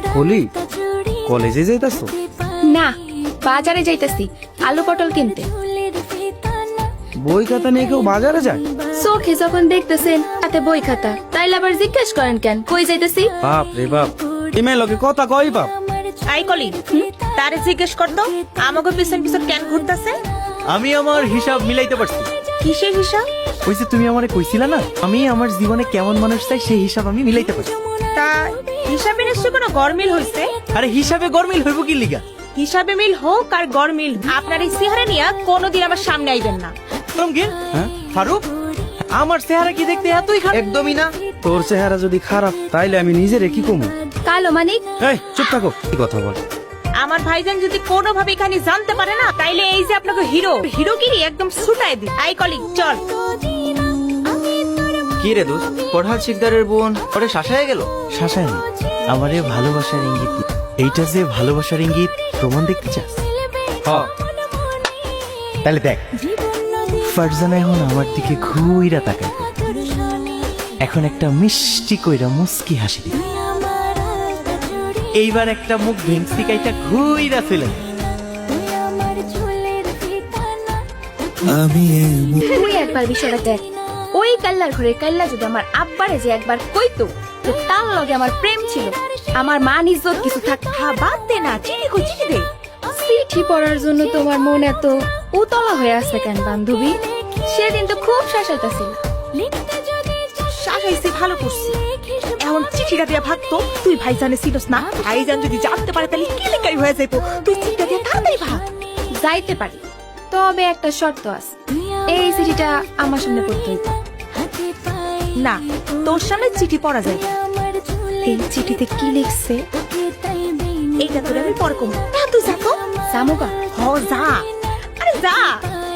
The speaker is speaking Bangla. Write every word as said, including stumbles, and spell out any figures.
কলি কলেজে যাইতাছো? না, বাজারে যাইতাছি আলু পটল কিনতে। বই খাতা নিয়ে কেউ বাজারে যায়? চোখে যখন দেখতেছেন হাতে বই খাতা, তাইলে আবার জিজ্ঞেস করেন কেন কই যাইতাছি? বাপ রে বাপ, ইমে লোকে কথা কই বাপ। আই কলি তারে জিজ্ঞেস করতো আমাকে পিছন পিছন কেন ঘুরতেছে। আমি আমার হিসাব মিলাইতে পারছি। কিসের হিসাব? ওই যে তুমি আমারে কইছিলা না, আমি আমার জীবনে কেমন মানুষ চাই সেই হিসাব আমি মিলাইতে পারছি। তা হিসাবে নিশ্চয় কোনো গরমিল হইছে। আরে হিসাবে গরমিল হইব কি লিগা? হিসাবে মিল হোক আর গরমিল, আপনার এই চেহারা নিয়ে কোনোদিন আমার সামনে আইবেন না। রঙ্গিন, হ্যাঁ ফারুক, আমার চেহারা কি দেখতে এতই খারাপ? একদমই না। তোর চেহারা যদি খারাপ তাইলে আমি নিজেরে কি কমু? কালো মানিক, এই চুপ থাকো, কি কথা বল? আমার ভাইজান যদি কোনোভাবে এখানে জানতে পারে না, তাইলে এই যে আপনাকে হিরো হিরোগিরি একদম ছুটাই দি। আই কলি চল। কি রে দোস্ত, পড়হাল শিকদারের বোন পরে শাসায় গেল? শাসায় না, আমারে ভালোবাসার ইঙ্গিত দিল। এইটা যে ভালোবাসার ইঙ্গিত, প্রমাণ দেখতে চাস? হ্যাঁ, তাহলে দেখ, ফারজানা এখন আমার দিকে ঘুইরা তাকায়, এখন একটা মিষ্টি কইরা মুস্কি হাসি দিবে। এইবার একটা মুখ ভেংসি কাইটা ঘুইরা ফেলে তুই একবার বিষয়টা দেখ। ওই কাল্লার ঘরে কাল্লা যদি আমার আব্বারে যে একবার কইতো যে তার লগে আমার প্রেম ছিল, আমার মান ইজ্জত কিছু থাক। হ্যাঁ বাদ দে না, চিনি কই চিনি দে। চিঠি পড়ার জন্য তোমার মন এত উতলা হয়ে আছে কেন বান্ধবী? সেদিন তো খুব শাসাইতাছিল। শাসাইছি ভালো করছি, এমন চিঠিটা দিয়া ভাগতো। তুই ভাইজানে ছিলস না, ভাইজান যদি জানতে পারে তাহলে কেলেঙ্কারি হয়ে যাইতো। তুই চিঠিটা দিয়া তাড়াতাড়ি ভাগ। যাইতে পারি, তবে একটা শর্ত আছে, এই চিঠিটা আমার সামনে পড়তে হইতো। না, তোর সামনে চিঠি পড়া যায়। এই চিঠিতে কি লিখছে? এইটা তোর আমি পরে কম। না তুই যা তো। জামুকা হ যা, আরে যা।